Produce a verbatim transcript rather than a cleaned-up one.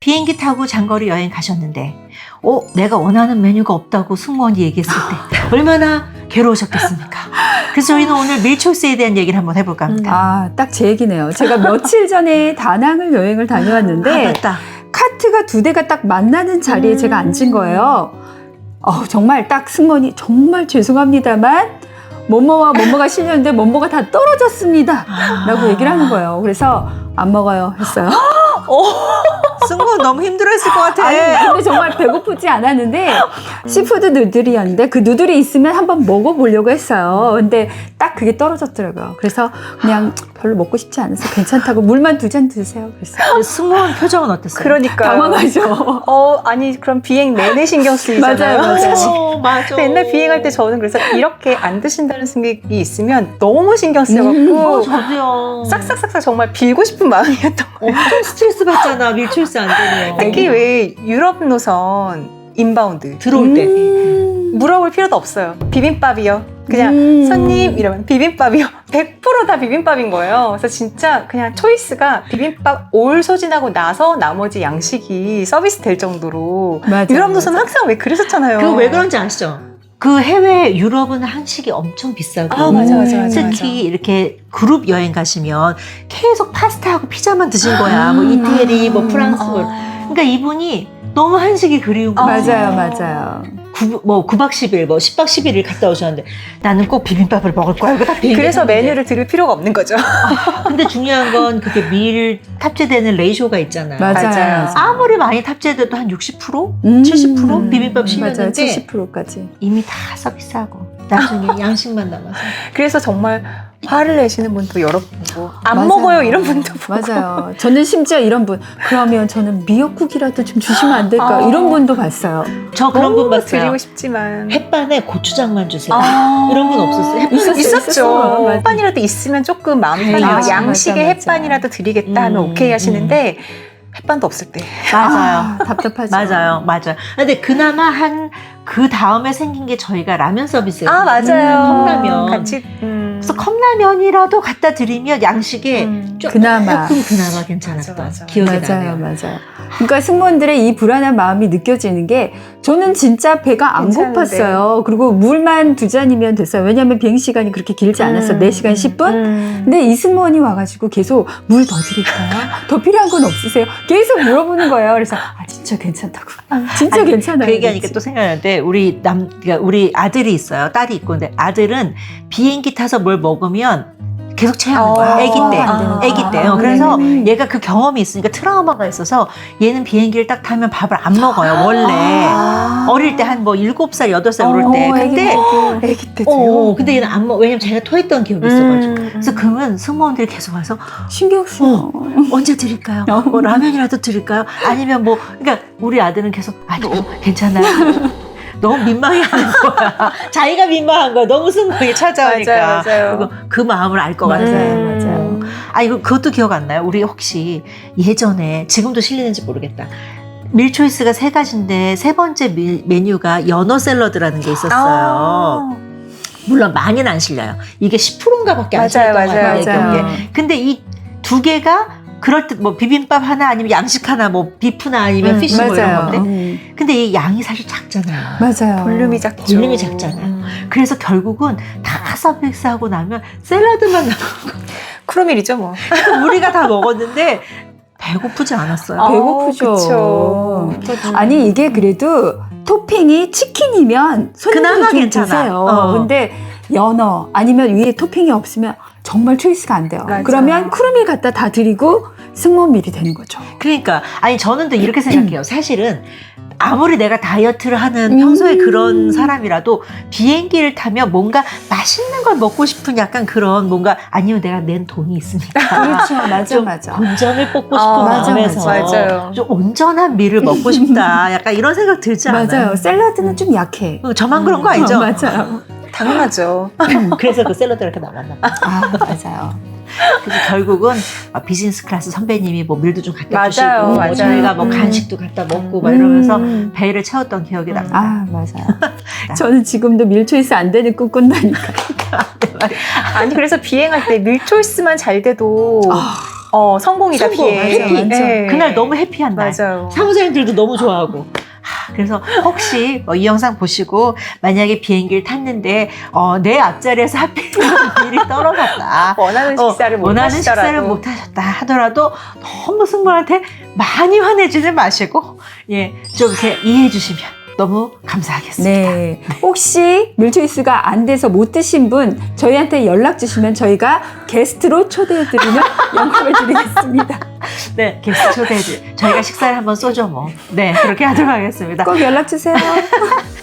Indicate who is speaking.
Speaker 1: 비행기 타고 장거리 여행 가셨는데 어, 내가 원하는 메뉴가 없다고 승무원이 얘기했을 때 얼마나 괴로우셨겠습니까? 그래서 저희는 오늘 밀초이스에 대한 얘기를 한번 해볼까 합니다.
Speaker 2: 아, 딱 제 얘기네요. 제가 며칠 전에 다낭을 여행을 다녀왔는데
Speaker 1: 아, 맞다.
Speaker 2: 카트가 두 대가 딱 만나는 자리에
Speaker 1: 음.
Speaker 2: 제가 앉은 거예요. 어, 정말 딱 승무원이 정말 죄송합니다만 뭐뭐와 뭐뭐가 실렸는데 뭐뭐가 다 떨어졌습니다.
Speaker 1: 아.
Speaker 2: 라고 얘기를 하는 거예요. 그래서 안 먹어요 했어요.
Speaker 1: 승무원 너무 힘들어했을 것 같아.
Speaker 2: 아니, 근데 정말 배고프지 않았는데 시푸드 누들이었는데 그 누들이 있으면 한번 먹어보려고 했어요. 근데 딱 그게 떨어졌더라고요. 그래서 그냥 별로 먹고 싶지 않아서 괜찮다고 물만 두 잔 드세요. 그랬어요.
Speaker 1: 승무원 표정은 어땠어요?
Speaker 3: 그러니까
Speaker 2: 당황하죠.
Speaker 3: 어 아니 그럼 비행 내내 신경 쓰이잖아요.
Speaker 2: 맞아요, 맞아요.
Speaker 3: 사실.
Speaker 1: 어, 맞아.
Speaker 3: 근데 옛날 비행할 때 저는 그래서 이렇게 안 드신다는 생각이 있으면 너무 신경 쓰여갖고
Speaker 1: 어, 저도요.
Speaker 3: 싹싹싹싹 정말 빌고 싶은 마음이었던 거예요.
Speaker 1: 엄청 스트레스 받잖아. 밀초이스 안 되면.
Speaker 3: 특히 왜 유럽 노선 인바운드
Speaker 1: 들어올 때.
Speaker 2: 음.
Speaker 3: 물어볼 필요도 없어요. 비빔밥이요. 그냥
Speaker 2: 음.
Speaker 3: 손님 이러면 비빔밥이요. 백 퍼센트 다 비빔밥인 거예요. 그래서 진짜 그냥 초이스가 비빔밥 올 소진하고 나서 나머지 양식이 서비스 될 정도로
Speaker 2: 맞아요,
Speaker 3: 유럽 노선은
Speaker 2: 맞아요.
Speaker 3: 항상 왜 그랬었잖아요.
Speaker 1: 그거 왜 그런지 아시죠? 그 해외 유럽은 한식이 엄청 비싸고
Speaker 3: 아, 맞아, 맞아, 맞아,
Speaker 1: 특히
Speaker 3: 맞아.
Speaker 1: 이렇게 그룹 여행 가시면 계속 파스타하고 피자만 드신 거야. 뭐 이태리, 뭐 프랑스. 뭐.
Speaker 3: 아.
Speaker 1: 그러니까 이분이 너무 한식이 그리운 거야.
Speaker 2: 맞아요, 맞아요.
Speaker 1: 구, 뭐 구 박 십 일, 뭐 십 박 십일 일 갔다 오셨는데 나는 꼭 비빔밥을 먹을 거야. 이거 딱
Speaker 3: 그래서
Speaker 1: 비빔밥인데.
Speaker 3: 메뉴를 드릴 필요가 없는 거죠.
Speaker 1: 근데 중요한 건 그게 밀 탑재되는 레이쇼가 있잖아요.
Speaker 2: 맞아요.
Speaker 3: 맞아요.
Speaker 1: 아무리 많이 탑재돼도 한 육십 퍼센트?
Speaker 2: 음.
Speaker 1: 칠십 퍼센트 비빔밥 실렸는데
Speaker 2: 맞아요, 칠십 퍼센트까지.
Speaker 1: 이미 다 서비스하고 나중에 양식만 남아서.
Speaker 3: 그래서 정말 화를 내시는 분도 여러 분고 안
Speaker 2: 맞아요.
Speaker 3: 먹어요 이런 분도 보고.
Speaker 2: 맞아요. 저는 심지어 이런 분, 그러면 저는 미역국이라도 좀 주시면 안 될까?
Speaker 3: 아.
Speaker 2: 이런 분도 봤어요.
Speaker 1: 저 그런 분
Speaker 3: 너무
Speaker 1: 봤어요.
Speaker 3: 드리고 싶지만
Speaker 1: 햇반에 고추장만 주세요.
Speaker 3: 아.
Speaker 1: 이런 분 없었어요? 햇반
Speaker 2: 있었어요,
Speaker 3: 있었죠.
Speaker 2: 있었어요. 맞아요.
Speaker 3: 햇반이라도 있으면 조금 마음이
Speaker 1: 다행이죠.
Speaker 3: 편해요.
Speaker 1: 맞아,
Speaker 3: 양식에
Speaker 2: 맞아, 맞아.
Speaker 3: 햇반이라도 드리겠다 하면
Speaker 1: 음,
Speaker 3: 오케이 하시는데 햇반도 없을 때.
Speaker 1: 맞아요.
Speaker 2: 아, 답답하죠.
Speaker 1: 맞아요. 맞아요. 근데 그나마 한 그 다음에 생긴 게 저희가 라면 서비스예요.
Speaker 3: 아 맞아요.
Speaker 1: 컵라면.
Speaker 3: 같이. 음.
Speaker 1: 그래서 컵라면이라도 갖다 드리면 양식에
Speaker 3: 음.
Speaker 1: 조금
Speaker 2: 그나마.
Speaker 1: 그나마 괜찮았던
Speaker 3: 맞아, 맞아.
Speaker 1: 기억이
Speaker 2: 맞아요,
Speaker 1: 나네요.
Speaker 2: 맞아요. 그러니까 승무원들의 이 불안한 마음이 느껴지는 게 저는 진짜 배가 안
Speaker 3: 괜찮은데.
Speaker 2: 고팠어요. 그리고 물만 두 잔이면 됐어요. 왜냐하면 비행 시간이 그렇게 길지 않았어.
Speaker 3: 음.
Speaker 2: 네 시간 십 분?
Speaker 3: 음.
Speaker 2: 근데 이 승무원이 와가지고 계속 물 더 드릴까요? 더 필요한 건 없으세요? 계속 물어보는 거예요. 그래서 아 진짜 괜찮다고. 진짜
Speaker 1: 아니,
Speaker 2: 괜찮아요.
Speaker 1: 그 얘기하니까
Speaker 2: 그랬지.
Speaker 1: 또 생각나는데 우리 남 그러니까 우리 아들이 있어요. 딸이 있고 근데 아들은 비행기 타서 뭘 먹으면 계속 체하는 거야.
Speaker 3: 어,
Speaker 1: 아기 때.
Speaker 2: 안 되는
Speaker 1: 아기
Speaker 2: 거야.
Speaker 1: 때요.
Speaker 2: 아,
Speaker 1: 그래서
Speaker 2: 네네네.
Speaker 1: 얘가 그 경험이 있으니까 트라우마가 있어서 얘는 비행기를 딱 타면 밥을 안 먹어요. 원래.
Speaker 3: 아.
Speaker 1: 어릴 때 한 뭐 일곱 살, 여덟 살 오를 때.
Speaker 2: 어,
Speaker 1: 근데
Speaker 2: 애기
Speaker 3: 애기 때도요.
Speaker 1: 어, 근데 얘는 안 먹어. 왜냐면 자기가 토했던 기억이 있어가지고.
Speaker 3: 음.
Speaker 1: 그래서 그러면 승무원들이 계속 와서
Speaker 2: 신경 써.
Speaker 1: 언제 드릴까요? 뭐 라면이라도 드릴까요? 아니면 뭐 그러니까 우리 아들은 계속 아니 괜찮아요. 너무 민망해하는 거야. 자기가 민망한 거야. 너무 승무원이 찾아오니까.
Speaker 3: 맞아요, 맞아요.
Speaker 1: 그리고 그 마음을 알 것
Speaker 2: 맞아요,
Speaker 1: 같아요.
Speaker 3: 음.
Speaker 2: 맞아요.
Speaker 1: 아 이거 그것도 기억 안 나요? 우리 혹시 예전에 지금도 실리는지 모르겠다. 밀초이스가 세 가지인데 세 번째 밀, 메뉴가 연어 샐러드라는 게 있었어요.
Speaker 3: 아.
Speaker 1: 물론 많이는 안 실려요. 이게 십 퍼센트인가 밖에 안
Speaker 3: 맞아요,
Speaker 1: 실렸던 것
Speaker 3: 맞아요,
Speaker 1: 같아요. 내
Speaker 2: 맞아요.
Speaker 1: 기억에. 근데 이 두 개가 그럴 때 뭐 비빔밥 하나 아니면 양식 하나 뭐 비프나 아니면
Speaker 3: 음,
Speaker 1: 피쉬 뭐 이런
Speaker 2: 맞아요.
Speaker 1: 건데
Speaker 2: 음,
Speaker 1: 근데 이 양이 사실 작잖아요.
Speaker 2: 맞아요.
Speaker 3: 볼륨이 작죠.
Speaker 1: 볼륨이 작잖아요.
Speaker 3: 음.
Speaker 1: 그래서 결국은 다 서비스하고 나면 샐러드만 남고
Speaker 3: 크로밀이죠 뭐.
Speaker 1: 우리가 다 먹었는데 배고프지 않았어요.
Speaker 2: 아, 배고프죠.
Speaker 3: 어, 그쵸.
Speaker 2: 아니 이게 그래도 토핑이 치킨이면 손님들이
Speaker 1: 그나마
Speaker 2: 좀
Speaker 1: 괜찮아.
Speaker 2: 드세요.
Speaker 1: 어.
Speaker 2: 근데 연어 아니면 위에 토핑이 없으면 정말 초이스가 안 돼요.
Speaker 3: 맞아.
Speaker 2: 그러면 크루밀 갖다 다 드리고 승무원밀이 되는 거죠.
Speaker 1: 그러니까 아니 저는 또 이렇게 생각해요. 사실은 아무리 내가 다이어트를 하는
Speaker 2: 음.
Speaker 1: 평소에 그런 사람이라도 비행기를 타면 뭔가 맛있는 걸 먹고 싶은 약간 그런 뭔가 아니면 내가 낸 돈이 있으니까
Speaker 2: 그렇죠. 맞아,
Speaker 1: 좀
Speaker 2: 맞아.
Speaker 1: 본전을 뽑고 싶은
Speaker 3: 아,
Speaker 2: 맞아,
Speaker 1: 마음에서
Speaker 3: 맞아요.
Speaker 1: 좀 온전한 미를 먹고 싶다. 약간 이런 생각 들지 않아요?
Speaker 2: 맞아요. 샐러드는 좀 약해.
Speaker 1: 어, 저만 그런 거 아니죠?
Speaker 2: 어, 맞아요.
Speaker 3: 당연하죠.
Speaker 1: 그래서 그 샐러드가 이렇게 남았나 봐.
Speaker 2: 아, 맞아요.
Speaker 1: 그래서 결국은 비즈니스 클래스 선배님이 뭐 밀도 좀 갖다
Speaker 3: 맞아요,
Speaker 1: 주시고 뭐
Speaker 3: 맞아요.
Speaker 1: 저희가 뭐
Speaker 2: 음.
Speaker 1: 간식도 갖다 먹고 막 이러면서
Speaker 2: 음.
Speaker 1: 배를 채웠던 기억이 납니다.
Speaker 2: 아, 맞아요. 저는 지금도 밀초이스 안 되는 꿈 꾼다니까.
Speaker 3: 아니 그래서 비행할 때 밀초이스만 잘 돼도
Speaker 2: 아.
Speaker 3: 어, 성공이다,
Speaker 1: 성공,
Speaker 3: 비행.
Speaker 1: 해피.
Speaker 2: 맞아.
Speaker 3: 네.
Speaker 1: 그날 너무 해피한 날.
Speaker 3: 맞아요.
Speaker 1: 사무장님들도 너무 좋아하고. 하, 그래서 혹시 뭐 이 영상 보시고 만약에 비행기를 탔는데 어, 내 앞자리에서 하필 일이 떨어졌다.
Speaker 3: 원하는 식사를
Speaker 1: 어,
Speaker 3: 못
Speaker 1: 원하는
Speaker 3: 하시더라도.
Speaker 1: 식사를 못 하셨다 하더라도 너무 승무원한테 많이 화내지는 마시고 예, 좀 이렇게 이해해 주시면 너무 감사하겠습니다.
Speaker 2: 네. 혹시 밀초이스가 안 돼서 못 드신 분 저희한테 연락 주시면 저희가 게스트로 초대해드리는 영광을 드리겠습니다.
Speaker 1: 네, 게스트 초대해 주 저희가 식사를 한번 쏘죠 뭐. 네, 그렇게 하도록 하겠습니다.
Speaker 2: 꼭 연락 주세요.